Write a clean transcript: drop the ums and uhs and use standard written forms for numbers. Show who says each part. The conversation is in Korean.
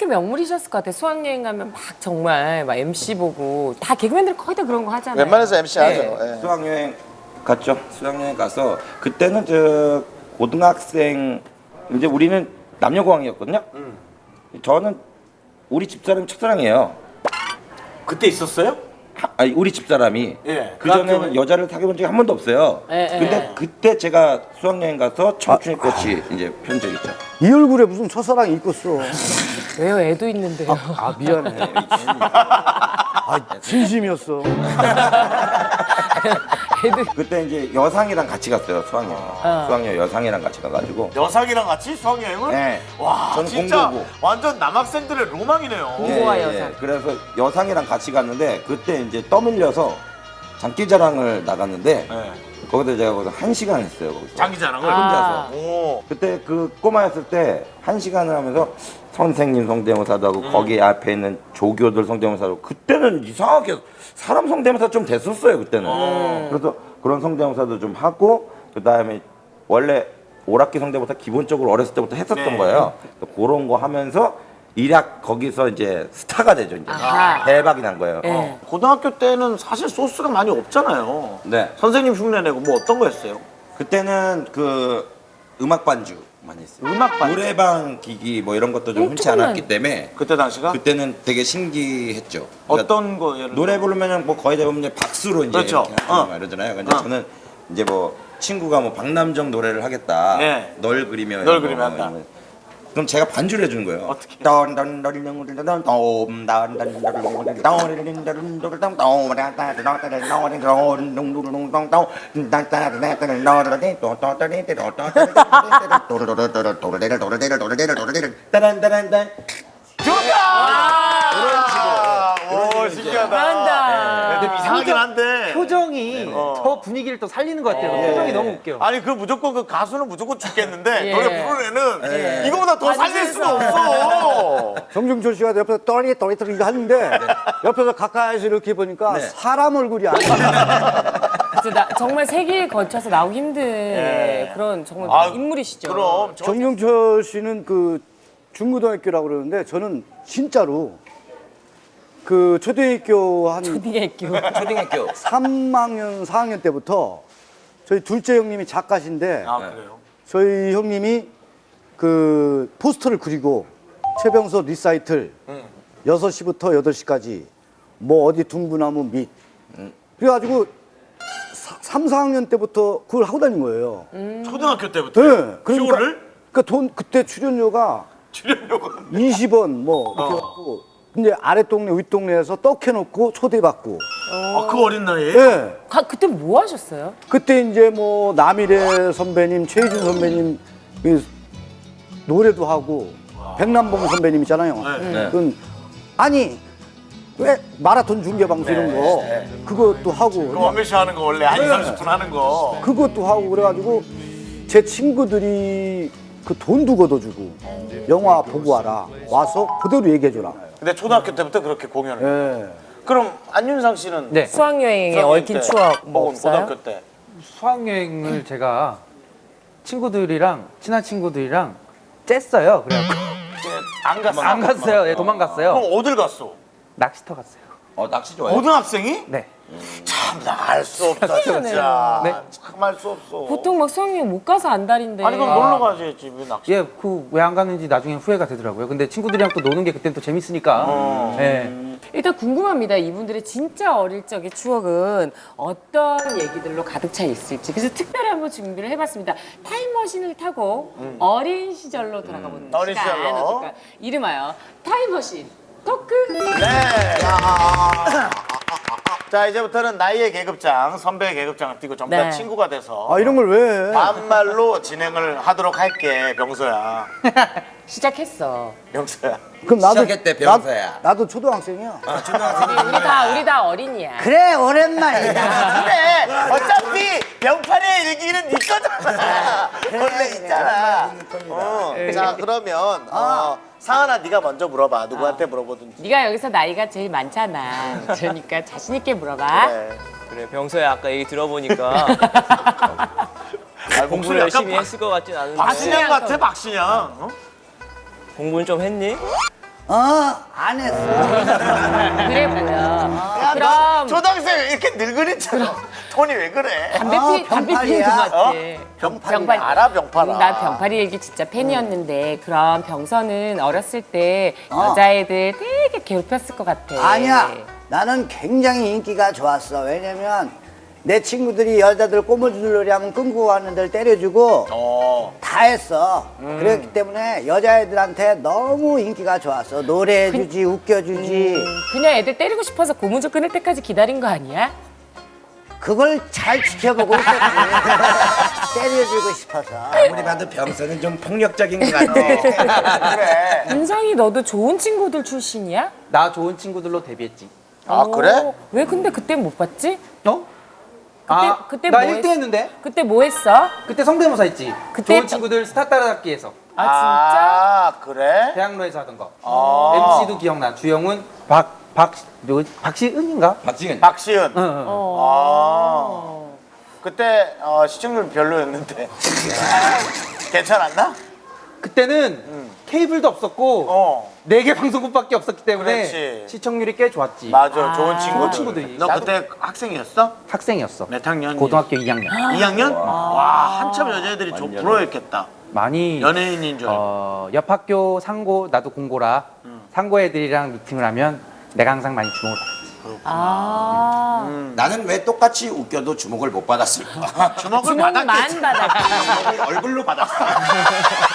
Speaker 1: 진짜 명물이셨을 것 같아요. 수학여행 가면 막 정말 막 MC 보고 다 개그맨들 거의 다 그런 거 하잖아요.
Speaker 2: 웬만해서 MC 하죠. 예.
Speaker 3: 수학여행 갔죠. 수학여행 가서 그때는 저 고등학생 이제 우리는 남녀공학이었거든요. 저는 우리 집사람이 첫사랑이에요.
Speaker 2: 그때 있었어요?
Speaker 3: 아니 우리 집사람이
Speaker 2: 예.
Speaker 3: 그 전에는 여자를 사귀어본 적이 한 번도 없어요. 근데 그때 제가 수학여행 가서 청춘의 꽃이 이제 편 적이 있죠.
Speaker 4: 이 얼굴에 무슨 첫사랑이 있겠어.
Speaker 1: 왜요? 애도 있는데요.
Speaker 4: 아 미안해. 아 진심이었어.
Speaker 3: 그때 이제 여상이랑 같이 갔어요. 수학여행. 수학여행 여상이랑 같이 가가지고.
Speaker 2: 여상이랑 같이 수학여행을?
Speaker 3: 네.
Speaker 2: 와,
Speaker 3: 저는
Speaker 2: 진짜
Speaker 3: 공부고.
Speaker 2: 완전 남학생들의 로망이네요.
Speaker 1: 공부와 여상.
Speaker 3: 그래서 여상이랑 같이 갔는데 그때 이제 떠밀려서 장기자랑을 나갔는데
Speaker 2: 네.
Speaker 3: 거기서 제가 거기서 1시간 했어요. 거기서.
Speaker 2: 장기자랑을
Speaker 3: 혼자서.
Speaker 2: 오.
Speaker 3: 그때 그 꼬마였을 때 1시간을 하면서 선생님 성대모사도 하고 거기 앞에 있는 조교들 성대모사도 하고 그때는 이상하게 사람 성대모사 좀 됐었어요 그때는. 그래서 그런 성대모사도 좀 하고 그 다음에 원래 오락기 성대모사 기본적으로 어렸을 때부터 했었던
Speaker 2: 네.
Speaker 3: 거예요. 그런 거 하면서 일약 거기서 이제 스타가 되죠 이제.
Speaker 1: 아하.
Speaker 3: 대박이 난 거예요.
Speaker 1: 네.
Speaker 2: 고등학교 때는 사실 소스가 많이 없잖아요.
Speaker 3: 네.
Speaker 2: 선생님 흉내내고 뭐 어떤 거 했어요?
Speaker 3: 그때는 그 음악 반주 많이 했어요.
Speaker 2: 음악 반주?
Speaker 3: 노래방 기기 뭐 이런 것도 좀 흔치
Speaker 1: 조금만.
Speaker 3: 않았기 때문에
Speaker 2: 그때 당시가?
Speaker 3: 그때는 되게 신기했죠. 그러니까
Speaker 2: 어떤 거 예를
Speaker 3: 노래 부르면은 뭐 거의 대부분 이제 박수로 이제
Speaker 2: 그렇죠.
Speaker 3: 이렇게 하고 이러잖아요. 근데 저는 이제 뭐 친구가 뭐 박남정 노래를 하겠다.
Speaker 2: 예.
Speaker 3: 널 그리며
Speaker 2: 널
Speaker 3: 이런
Speaker 2: 그리며
Speaker 3: 거
Speaker 2: 한다.
Speaker 3: 이러면 그럼 제가 반주를 해주는 거예요.
Speaker 2: 어떻게? 오, 신기하다.
Speaker 1: 잘한다.
Speaker 2: 근데 이상하긴 한데.
Speaker 5: 표정이 더 분위기를 또 살리는 것 같아요. 표정이 너무 웃겨.
Speaker 2: 아니 그 무조건 그 가수는 무조건 죽겠는데
Speaker 1: 예.
Speaker 2: 노래 부르는 애는 이거보다 더 살릴 수가 없어.
Speaker 4: 정중철 씨가 옆에서 떠리 이거 하는데 옆에서 가까이서 이렇게 보니까 사람 얼굴이 아니야.
Speaker 1: 진짜 정말 세기에 걸쳐서 나오기 힘든 그런 정말
Speaker 2: 아,
Speaker 1: 인물이시죠.
Speaker 2: 그럼
Speaker 4: 정중철 씨는 그 중고등학교라고 그러는데 저는 진짜로 그 초등학교 한
Speaker 1: 초딩학교.
Speaker 3: 초등학교
Speaker 4: 3학년, 4학년 때부터 저희 둘째 형님이 작가신데
Speaker 2: 아 그래요?
Speaker 4: 저희 형님이 그 포스터를 그리고 최병서 리사이틀 6시부터 8시까지 뭐 어디 둥구나무 밑 그래가지고 3, 4학년 때부터 그걸 하고 다닌 거예요.
Speaker 2: 초등학교 때부터
Speaker 4: 네.
Speaker 2: 쇼를?
Speaker 4: 그러니까 돈 그때 출연료가 20원 뭐 이렇게 갖고 근데 아래 동네 윗 동네에서 떡 해놓고 초대받고.
Speaker 2: 아, 그 어린 나이에?
Speaker 4: 예.
Speaker 1: 그때 뭐 하셨어요?
Speaker 4: 그때 이제 뭐 남일의 선배님, 최희준 선배님 그 노래도 하고 백남봉 선배님 있잖아요.
Speaker 2: 네.
Speaker 4: 그건 아니 왜 마라톤 중계 방송 이런 거 그것도 하고
Speaker 2: 그 원매 씨 하는 거 원래 한 2, 30분 하는 거.
Speaker 4: 그것도 하고 그래가지고 제 친구들이 그 돈도 걷어주고 영화 보고 와라 와서 그대로 얘기해줘라.
Speaker 2: 근데 초등학교 때부터 그렇게 공연을.
Speaker 4: 예.
Speaker 2: 그럼 안윤상 씨는
Speaker 5: 네.
Speaker 1: 수학여행에
Speaker 2: 수학여행
Speaker 1: 얽힌
Speaker 2: 때,
Speaker 1: 추억 뭐
Speaker 2: 혹은
Speaker 1: 없어요?
Speaker 2: 고등학교 때.
Speaker 5: 수학여행을 제가 친구들이랑 친한 친구들이랑 쬐어요. 그래갖고
Speaker 2: 안 갔어.
Speaker 5: 안 갔어요. 네, 도망갔어요.
Speaker 2: 그럼 어딜 갔어?
Speaker 5: 낚시터 갔어요.
Speaker 3: 낚시 좋아해요.
Speaker 2: 고등학생이?
Speaker 5: 네.
Speaker 2: 참 나 알 수 없다 진짜.
Speaker 5: 네.
Speaker 2: 참 알 수 없어.
Speaker 1: 보통 막 수학여행 못 가서 안달인데.
Speaker 2: 아니 그럼 놀러 가지 집에 낚시.
Speaker 5: 예, 그 왜 안 갔는지 나중에 후회가 되더라고요. 근데 친구들이랑 또 노는 게 그때는 또 재밌으니까. 예.
Speaker 1: 일단 궁금합니다. 이분들의 진짜 어릴 적의 추억은 어떤 얘기들로 가득 차 있을지. 그래서 특별히 한번 준비를 해봤습니다. 타임머신을 타고 어린 시절로 돌아가보는
Speaker 2: 어린
Speaker 1: 시간.
Speaker 2: 시절로.
Speaker 1: 어떨까요? 이름하여 타임머신 토크.
Speaker 2: 네. 자 이제부터는 나이의 계급장, 선배의 계급장을 띄고 전부 다
Speaker 1: 네.
Speaker 2: 친구가 돼서
Speaker 4: 아 이런 걸 왜 해?
Speaker 2: 반말로 진행을 하도록 할게, 병서야.
Speaker 1: 시작했어.
Speaker 2: 병서야.
Speaker 4: 그럼 나도
Speaker 3: 시작했대, 병서야.
Speaker 4: 나도 초등학생이야.
Speaker 1: 우리 다 어린이야.
Speaker 4: 그래 오랜만이다.
Speaker 2: 그래 어차피 병판의 일기는 네 거잖아. 원래 있잖아. 자 그러면 상한아 네가 먼저 물어봐. 누구한테 물어보든지.
Speaker 1: 네가 여기서 나이가 제일 많잖아. 그러니까 자신 있게 물어봐.
Speaker 2: 그래.
Speaker 6: 그래 병서야 아까 얘기 들어보니까 공부를
Speaker 2: 목소리
Speaker 6: 열심히
Speaker 2: 약간
Speaker 6: 했을 것 같진 않은데
Speaker 2: 박신양 같아 박신양. 어?
Speaker 6: 공부는 좀 했니?
Speaker 4: 안 했어.
Speaker 1: 그래 보여.
Speaker 2: 야, 너
Speaker 1: 그럼
Speaker 2: 초등학생 왜 이렇게 늙은이처럼 톤이 왜 그래?
Speaker 1: 담배 피는 것
Speaker 4: 병팔이야.
Speaker 1: 같아.
Speaker 4: 병팔이야.
Speaker 2: 알아, 병팔아.
Speaker 1: 난 병파리 일기 진짜 팬이었는데 그럼 병선은 어렸을 때 여자애들 되게 괴롭혔을 것 같아.
Speaker 4: 아니야. 나는 굉장히 인기가 좋았어. 왜냐면 내 친구들이 여자들 꼬물주들이 하면 끊고 가는 데를 때려주고 다 했어. 그랬기 때문에 여자애들한테 너무 인기가 좋았어. 노래해주지, 웃겨주지.
Speaker 1: 그냥 애들 때리고 싶어서 고무줄 끊을 때까지 기다린 거 아니야?
Speaker 4: 그걸 잘 지켜보고 있었지. 때려주고 싶어서.
Speaker 3: 아무리 봐도 병선은 좀 폭력적인 것 같아.
Speaker 2: 그래.
Speaker 1: 은성이 너도 좋은 친구들 출신이야?
Speaker 5: 나 좋은 친구들로 데뷔했지.
Speaker 2: 아, 그래?
Speaker 1: 오, 왜 근데 그때 못 봤지?
Speaker 5: 어?
Speaker 1: 그때
Speaker 5: 나
Speaker 1: 뭐
Speaker 5: 1등 했는데?
Speaker 1: 그때 뭐 했어?
Speaker 5: 그때 성대모사 했지.
Speaker 1: 그때
Speaker 5: 좋은
Speaker 1: 또-
Speaker 5: 친구들 스타 따라잡기에서.
Speaker 1: 아 진짜?
Speaker 2: 아, 그래?
Speaker 5: 대학로에서 하던 거.
Speaker 2: 아.
Speaker 5: MC도 기억나. 주영은 박시은인가?
Speaker 3: 박지은.
Speaker 2: 박시은.
Speaker 5: 응, 응.
Speaker 2: 아. 그때 시청률 별로였는데. 괜찮았나?
Speaker 5: 그때는 케이블도 없었고
Speaker 2: 어.
Speaker 5: 4개 방송국밖에 없었기 때문에
Speaker 2: 그렇지.
Speaker 5: 시청률이 꽤 좋았지.
Speaker 2: 맞아, 좋은 친구들.
Speaker 5: 좋은 친구들이.
Speaker 2: 너 그때 학생이었어?
Speaker 5: 학생이었어.
Speaker 2: 몇 학년?
Speaker 5: 고등학교 2학년.
Speaker 2: 2학년? 와, 한참 여자애들이 좀
Speaker 3: 완전.
Speaker 2: 부러웠겠다.
Speaker 5: 많이
Speaker 2: 연예인인 줄 알고.
Speaker 5: 옆 학교 상고 나도 공고라 상고 애들이랑 미팅을 하면 내가 항상 많이 주목을 받았지.
Speaker 1: 아
Speaker 3: 나는 왜 똑같이 웃겨도 주목을 못 받았을까?
Speaker 2: 주먹을
Speaker 1: 주먹만
Speaker 2: 받았겠지.
Speaker 1: 받았지.
Speaker 3: 얼굴로 받았어.